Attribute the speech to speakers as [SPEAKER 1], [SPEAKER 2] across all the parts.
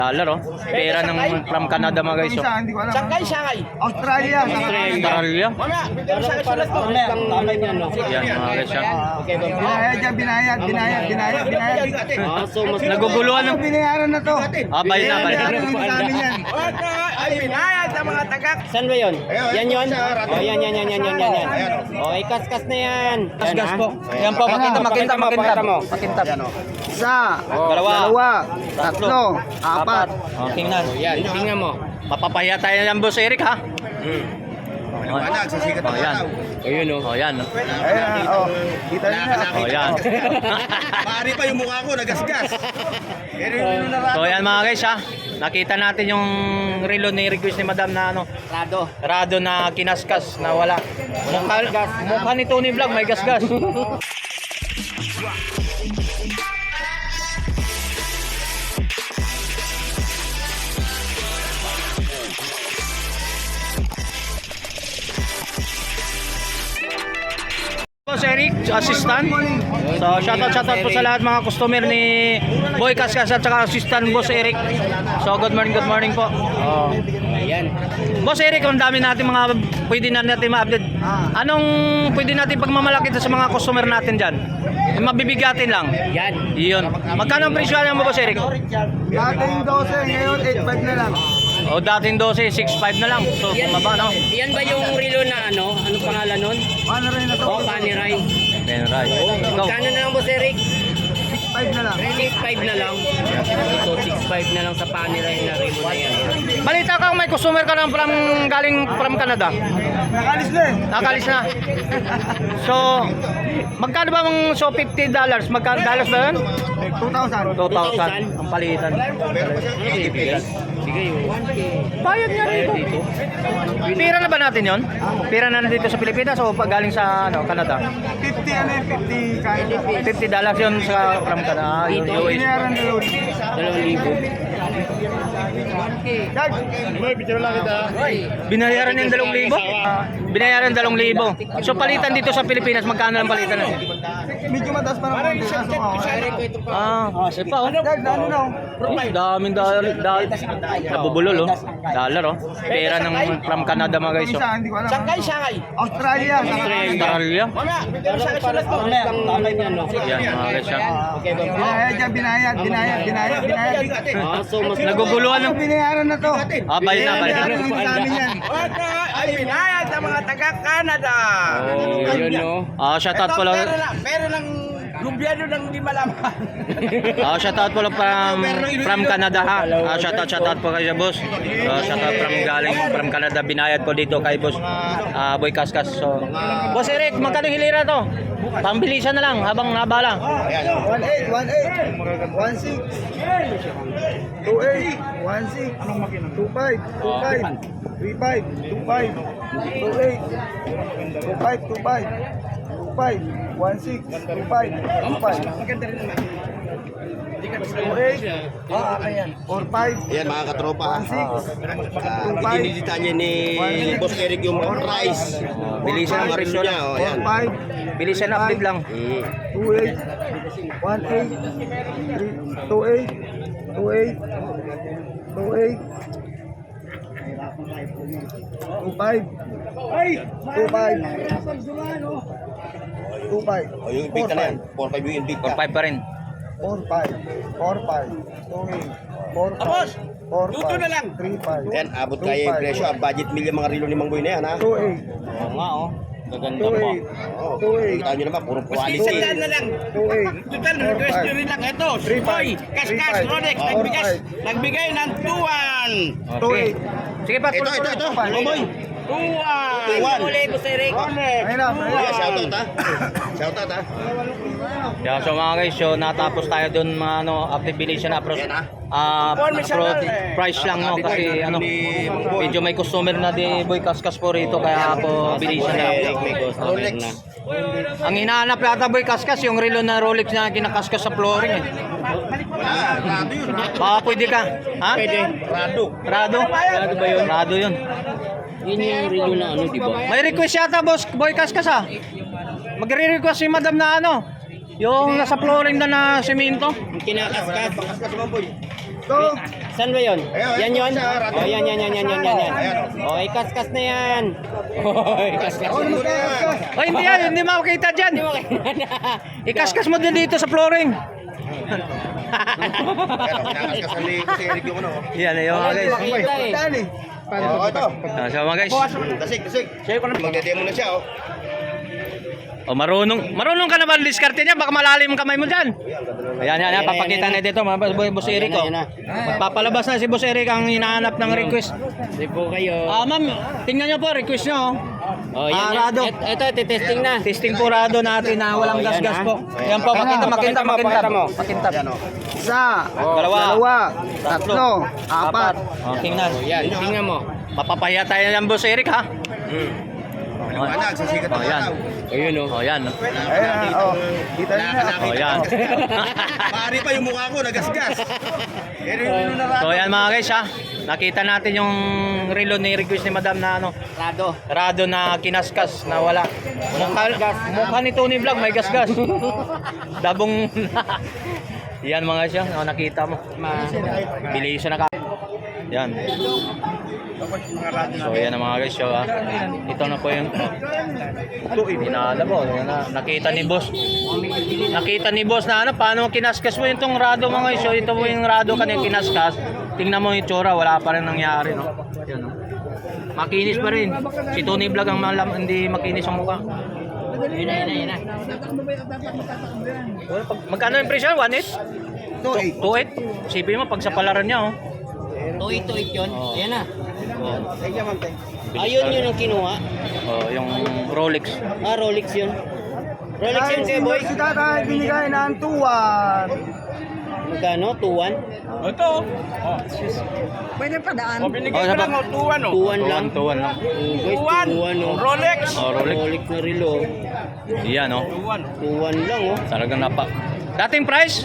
[SPEAKER 1] Dollar oh. Pera ng from Canada mga guys.
[SPEAKER 2] Hindi ko alam.
[SPEAKER 3] Shanghai, Shanghai.
[SPEAKER 2] Australia.
[SPEAKER 1] Australia.
[SPEAKER 3] Mamaya, bigyan sa sulat ko.
[SPEAKER 1] Yan mga guys.
[SPEAKER 2] Binayad.
[SPEAKER 3] So, mas
[SPEAKER 1] Naguguluhan ng
[SPEAKER 2] Binayaran na to.
[SPEAKER 1] bayad na.
[SPEAKER 2] Binayaran na sa amin yan.
[SPEAKER 3] ay binayad sa mga tagak. Saan ba yun? Yan yun? Oh, yan. Okay, kas na yan.
[SPEAKER 1] Gas po. Yan po, makintab.
[SPEAKER 2] Isa,
[SPEAKER 1] Dalawa.
[SPEAKER 2] tatlo, apat.
[SPEAKER 1] Oh, tingnan.
[SPEAKER 3] Yan, tingnan mo.
[SPEAKER 1] Mapapahiya tayo yan, Boss Eric ha. Oh, yan.
[SPEAKER 3] Ayun o.
[SPEAKER 1] Oh, yan.
[SPEAKER 2] Ayan, kita niyo na.
[SPEAKER 1] Oh, yan.
[SPEAKER 4] Maaari pa yung mukha ko, nagasgas.
[SPEAKER 1] So, yan mga guys ha. Nakita natin yung relo ni request ni Madam na ano, Rado na kinaskas na wala. Mukha ni Tony Vlog may gasgas. Boss Eric, assistant. So shoutout po sa lahat mga customer ni Boy Kaskas at saka assistant Boss Eric. So good morning po. Oh.
[SPEAKER 3] Ayan.
[SPEAKER 1] Boss Eric, ang dami natin mga pwede na natin ma-update. Anong pwede natin pagmamalaki sa mga customer natin diyan? Mabibigatin lang.
[SPEAKER 3] Yan.
[SPEAKER 1] Iyon. Magkano ang presyo mo Boss Eric?
[SPEAKER 2] Dating 12, ngayon 8.5 na lang.
[SPEAKER 1] O dating 12, 6.5 na lang. So bumaba no.
[SPEAKER 3] Yan ba yung relo na ano? Anong pangalan nun?
[SPEAKER 2] Paano rin na to?
[SPEAKER 3] Oh, Paniray.
[SPEAKER 1] Then right. Ikaw.
[SPEAKER 3] Kano na lang, Boss Eric?
[SPEAKER 2] 6.5 na lang.
[SPEAKER 3] 6.5 na lang. So, 6.5 na lang sa Paniray na relo na yan.
[SPEAKER 1] Balita ka may customer ka ng galing from Canada.
[SPEAKER 2] Nakalis na eh.
[SPEAKER 1] Nakalis na. So, magkano ba $50? Magkano dollars ba yun?
[SPEAKER 2] 2,000.
[SPEAKER 1] 2,000 ang palitan.
[SPEAKER 3] Sige, 1K.
[SPEAKER 1] Bayad niya rito. Pira na ba natin yon? Pira na dito sa Pilipinas o pag galing sa Canada?
[SPEAKER 2] 50 ano eh, 50 kaya.
[SPEAKER 1] $50 yun sa from Canada. Yun, US.
[SPEAKER 2] Binayaran na yun.
[SPEAKER 3] 2,000.
[SPEAKER 2] Dad,
[SPEAKER 1] Binayaran yung 2,000? Binayaran 2,000. So palitan dito sa Pilipinas, magkano lang palitan?
[SPEAKER 2] medyo mataas pa naman.
[SPEAKER 1] Kasi pa oh.
[SPEAKER 2] Dad, ano na?
[SPEAKER 1] Daming dollar. Nabubulol oh. Dollar oh. Pera ng from Canada mga guys oh.
[SPEAKER 2] Isa, hindi ko alam.
[SPEAKER 3] Shanghai, Shanghai.
[SPEAKER 2] Australia.
[SPEAKER 1] Australia.
[SPEAKER 3] Mamaya, bigyan sa sulat ko.
[SPEAKER 1] Yan mga guys ah.
[SPEAKER 2] Binayad.
[SPEAKER 3] So, mas
[SPEAKER 1] Naguguluhan ng
[SPEAKER 2] Binayaran na to.
[SPEAKER 1] bayad na.
[SPEAKER 2] Binayaran na sa amin yan.
[SPEAKER 3] ay binayad sa mga taga-Canada.
[SPEAKER 1] Oh,
[SPEAKER 3] yun no.
[SPEAKER 1] Shoutout po lang.
[SPEAKER 3] Pero ng gobyerno nang hindi malaman.
[SPEAKER 1] Shoutout po lang from Canada ha. Shoutout po kay boss. Shoutout galing from Canada, binayad ko dito kay boss Boy Kaskas. So, Boss Eric, magkano hilira to? Pambilisan na lang habang nabala.
[SPEAKER 2] 18, 16, 28, 16, 25, 35, 28, 45,
[SPEAKER 4] Yan mga katropa.
[SPEAKER 2] 25,
[SPEAKER 4] Dinidetalye ni Boss Eric yung price.
[SPEAKER 1] Bilisan ang presyo
[SPEAKER 4] niya.
[SPEAKER 1] lang.
[SPEAKER 4] Oh, yan.
[SPEAKER 2] 45,
[SPEAKER 1] Bilisan na update lang.
[SPEAKER 2] 28, 18, 28, 25,
[SPEAKER 4] Oh, yung big na yan. 4-5 yung big.
[SPEAKER 1] 4-5 pa rin.
[SPEAKER 2] 45,
[SPEAKER 3] Tapos, luto na lang.
[SPEAKER 2] 35,
[SPEAKER 4] Yan, abot kaya yung presyo. Ang budget meal yung mga rilo ni Mang Boy na yan, ha?
[SPEAKER 2] 28,
[SPEAKER 1] Oo nga oh. Gaganda pa.
[SPEAKER 2] 28,
[SPEAKER 4] Oo.
[SPEAKER 2] 28,
[SPEAKER 4] Kita nyo naman, puro
[SPEAKER 3] Isang
[SPEAKER 4] quality.
[SPEAKER 3] na lang.
[SPEAKER 2] 28,
[SPEAKER 3] Total request nyo rin lang. Ito, Boy, Kaskas, Rolex, nagbigay ng 2-1.
[SPEAKER 1] Okay. Sige pa,
[SPEAKER 4] Ito. Mang Boy.
[SPEAKER 3] 2-1. Uli, Boss Eric.
[SPEAKER 2] ayun na,
[SPEAKER 4] Yeah, shoutout, ha? Shoutout, ha?
[SPEAKER 1] Yeah, so mga guys, so natapos tayo dun mga activation approach.
[SPEAKER 4] Yan, ha?
[SPEAKER 1] Price lang no kasi medyo may customer na di Boy Kaskas po rito kaya po bilisan na.
[SPEAKER 4] Rolex.
[SPEAKER 1] Ang hinahanap yata Boy Kaskas yung relo na Rolex na kinakaskas sa flooring eh.
[SPEAKER 4] Rado yun, ha?
[SPEAKER 1] Baka pwede ka? Ha?
[SPEAKER 4] Pwede. Rado.
[SPEAKER 1] Rado? Rado ba yun? Rado yun.
[SPEAKER 3] Yun yung relo na ano, di ba?
[SPEAKER 1] May request yata boss Boy Kaskas ha. Magre-request si Madam na ano yung nasa flooring na semento.
[SPEAKER 3] Kinakaskas.
[SPEAKER 4] Kaskas, Mang Boy.
[SPEAKER 2] So,
[SPEAKER 3] Saan ba yun?
[SPEAKER 4] Ayun,
[SPEAKER 3] Yan yun?
[SPEAKER 4] sa Rado.
[SPEAKER 3] Oh, yan.
[SPEAKER 4] Ayan,
[SPEAKER 3] Okay, kaskas na yan. Okay, kaskas.
[SPEAKER 4] Ano na yan?
[SPEAKER 1] Ay, hindi yan. Hindi makakita dyan.
[SPEAKER 3] Hindi mo kailangan.
[SPEAKER 1] Ikaskas mo din dito sa flooring.
[SPEAKER 4] Ayan, kinakaskasan ni Jose Eric yung ano.
[SPEAKER 1] Yan, yung mga guys.
[SPEAKER 3] Kita eh.
[SPEAKER 2] Dali.
[SPEAKER 4] Oo, ito.
[SPEAKER 1] So mga guys.
[SPEAKER 4] Dasig. Magdedemo na siya, oh.
[SPEAKER 1] Oh, marunong ka na ba diskarte niya? Baka malalim ang kamay mo dyan. Ayan, papakita na dito, Boss Eric. Oh.
[SPEAKER 3] Ayan na.
[SPEAKER 1] Papalabas na si Boss Eric ang hinahanap ng request.
[SPEAKER 3] Hindi po kayo.
[SPEAKER 1] Ma'am, tingnan niyo po, request niyo.
[SPEAKER 3] Oh, yan.
[SPEAKER 1] Rado.
[SPEAKER 3] Ito, testing na.
[SPEAKER 1] Testing po Rado natin na walang
[SPEAKER 3] Oh, yan,
[SPEAKER 1] gas-gas
[SPEAKER 3] ah.
[SPEAKER 1] po. Ayan po, makintab.
[SPEAKER 4] Ayan, oh.
[SPEAKER 2] Isa.
[SPEAKER 1] Dalawa.
[SPEAKER 2] Tatlo. Apat.
[SPEAKER 1] Oh, tingnan.
[SPEAKER 3] Yan, tingnan mo.
[SPEAKER 1] Mapapahiya tayo ng Boss Eric ha.
[SPEAKER 4] Maliwanag, sisikat na
[SPEAKER 1] Oh, yan.
[SPEAKER 4] araw.
[SPEAKER 3] Ayun oh.
[SPEAKER 1] Oh, yan.
[SPEAKER 2] Ayan. Oh. Kita niyo na.
[SPEAKER 1] Oh, yan.
[SPEAKER 4] Pari pa yung mukha ko, nagasgas. Yun na
[SPEAKER 1] So, yan mga guys ha. Nakita natin yung relo ni request ni Madam na ano,
[SPEAKER 3] Rado.
[SPEAKER 1] Rado na kinaskas na wala. Mukha ni Tony Vlog may gas-gas. Dabong yan mga siya, oh, nakita mo. Bilisan na ka. Yan. So yan ang mga guys, so, ito na po yung pinala po. Yan na. Nakita ni boss. Nakita ni boss na ano, paano kinaskas mo itong Rado mga guys. So ito po yung Rado kanina kinaskas. Tingnan mo yung tsura, wala pa rin nangyari, no? Yan, no? Makinis pa rin. Si Tony Vlog ang hindi makinis ang mukha.
[SPEAKER 3] Yun na.
[SPEAKER 1] Magkano yung presyo? 1.8? 2.8? Sipin mo, pag sa palaran niya, oh.
[SPEAKER 3] Tuit yun.
[SPEAKER 1] Oh.
[SPEAKER 3] Ayan na.
[SPEAKER 1] Oh.
[SPEAKER 3] Ayun yun ang kinuha.
[SPEAKER 1] Oh, yung Rolex.
[SPEAKER 3] Ah, Rolex yun. Rolex yun kayo, boy.
[SPEAKER 2] Si tatay binigay ng 2-1.
[SPEAKER 3] Magkano? 2-1?
[SPEAKER 2] Pwede pa daan.
[SPEAKER 1] Oh, sa
[SPEAKER 3] 2-1 lang.
[SPEAKER 1] 2.1 lang.
[SPEAKER 3] Guys, 2-1 oh.
[SPEAKER 1] Rolex. Oh, Rolex.
[SPEAKER 3] Rolex na relo.
[SPEAKER 1] Yan, oh.
[SPEAKER 3] 2-1 lang oh.
[SPEAKER 1] Talagang napa. Dating price?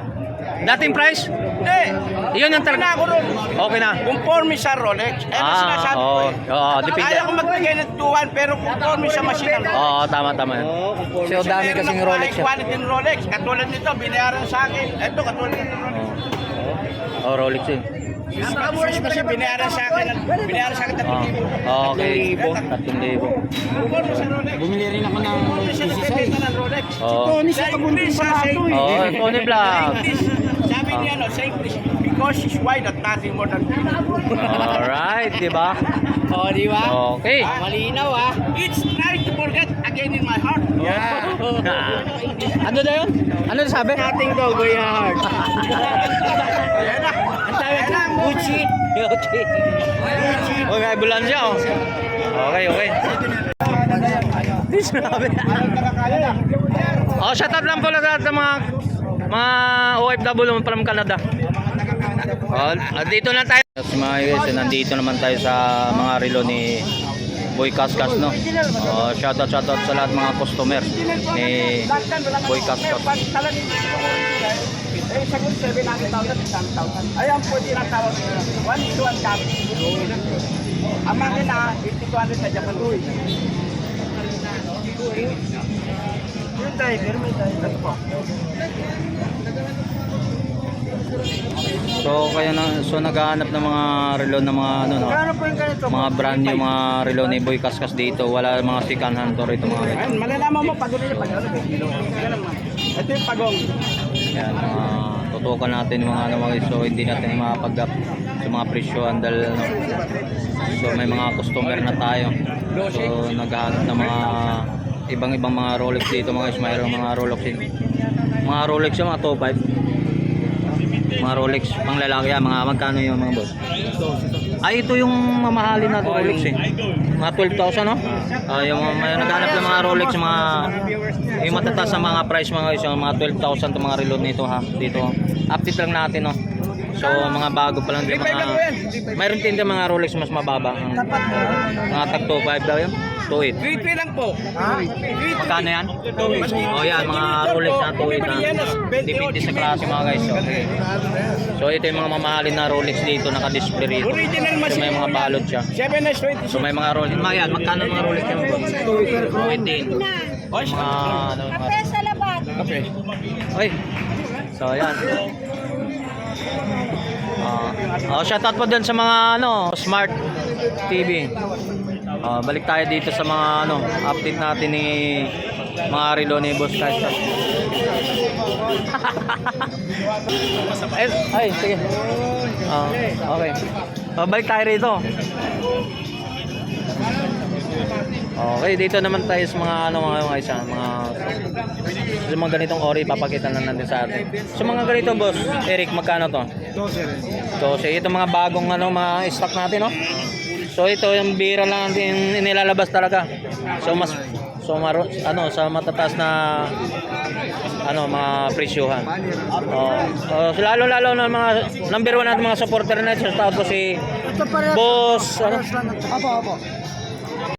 [SPEAKER 1] Iyon yung talaga. Okay na.
[SPEAKER 5] Conforme sa Rolex. Ano sinasabi ko
[SPEAKER 1] oo.
[SPEAKER 5] eh.
[SPEAKER 1] Oo, depende.
[SPEAKER 5] Kaya ko magbigay ng 2-1 pero conforme sa machine.
[SPEAKER 1] Oo, tama.
[SPEAKER 3] Oh, conforme.
[SPEAKER 1] So, dami
[SPEAKER 5] Meron
[SPEAKER 1] kasing
[SPEAKER 5] ako
[SPEAKER 1] Rolex.
[SPEAKER 5] high quality ng Rolex. Katulad nito, binayaran sa akin. Ito, katulad ng Rolex.
[SPEAKER 1] Oh, Rolex yun.
[SPEAKER 5] Tapos kasi binayaran sa akin 3,000.
[SPEAKER 1] Oh, okay.
[SPEAKER 3] 3,000.
[SPEAKER 1] 3,000.
[SPEAKER 5] Conforme sa Rolex.
[SPEAKER 3] Bumili rin ako ng
[SPEAKER 5] Conforme sa nakabenta ng Rolex.
[SPEAKER 1] Oo.
[SPEAKER 5] Sa English, sa English.
[SPEAKER 1] Oh, Tony Vlog.
[SPEAKER 5] Sabi niya, no, sa English, because she's white at nothing more than
[SPEAKER 1] Alright, di ba?
[SPEAKER 3] Oh, di ba?
[SPEAKER 1] Okay.
[SPEAKER 3] Malinaw ah.
[SPEAKER 5] It's trying to forget again in my heart.
[SPEAKER 1] Ano na yun? Ano na sabi?
[SPEAKER 3] Nothing daw, Boy Hard.
[SPEAKER 5] Ayan na.
[SPEAKER 3] Ang tawag
[SPEAKER 5] Ayan na.
[SPEAKER 3] Gucci.
[SPEAKER 1] Gucci. Oh, may ambulansya, oh. Okay. Di sinabi. Oh, shout out lang pala sa mga OFW from Canada. Oh, dito na tayo. Mga guys, nandito naman tayo sa mga relo ni Boy Kaskas, no? Oh, shout out sa lahat mga customer ni Boy Kaskas.
[SPEAKER 5] Eh, sagot 700,000, 10,000. Ayan po tinatawag nila. 1 copy. Ang makina, 8,200 sa Japan. Yung driver, may driver po.
[SPEAKER 1] So naghahanap ng mga relo ng mga ano, no?
[SPEAKER 5] Kano po yung ganito?
[SPEAKER 1] Mga brand new mga relo ni Boy Kaskas dito. Wala mga second hand to rito mga guys.
[SPEAKER 5] Ayan, malalaman mo pag ulit pag ano. Ganun man. Ito yung pagong.
[SPEAKER 1] Yan, tutukan natin yung mga ano mga guys. So hindi natin mapag-up sa mga presyo andal, no? So may mga customer na tayo. So naghahanap ng mga ibang mga Rolex dito mga guys. Mayroong mga Rolex din. Mga Rolex yung mga top 5. Mga Rolex pang lalaki yan, mga magkano yung mga boss? Ay, ito yung mamahalin na Rolex eh. Mga 12,000, no? Yung may naghanap ng mga Rolex, yung matataas sa mga price mga guys, yung mga 12,000 itong mga reload nito ha. Dito. Update lang natin, no? So, mga bago pa lang din mga... Mayroon din din mga Rolex mas mababa. Mga tag 2.5 daw yun. 2.8.
[SPEAKER 5] 3 lang po.
[SPEAKER 1] Magkano yan? Oh yan, mga Rolex na 2.8 na. Depende sa klase mga guys. Okay. So ito yung mga mamahalin na Rolex dito, naka-display rito.
[SPEAKER 5] Original
[SPEAKER 1] So
[SPEAKER 5] machine.
[SPEAKER 1] may mga balot siya.
[SPEAKER 5] 7S26.
[SPEAKER 1] So may mga Rolex. Mga yan, magkano mga Rolex yung 2.8? Mga ano,
[SPEAKER 6] Kape sa labat.
[SPEAKER 1] Ay. So yan. Shoutout po dun sa mga Smart TV. Balik tayo dito sa mga update natin ni mga relo ni Boss Kaskas. Ay, sige. Okay. Balik tayo rito. Okay, dito naman tayo sa mga sa mga ganitong ori papakita na natin sa atin. Sa mga ganito, Boss Eric, magkano to? 12. Ito mga bagong mga stock natin, no? So ito yung bira lang natin inilalabas talaga. So sa matataas na mga presyuhan. So lalo na mga number 1 natin mga supporter natin. Shout out po si Boss
[SPEAKER 2] Apo.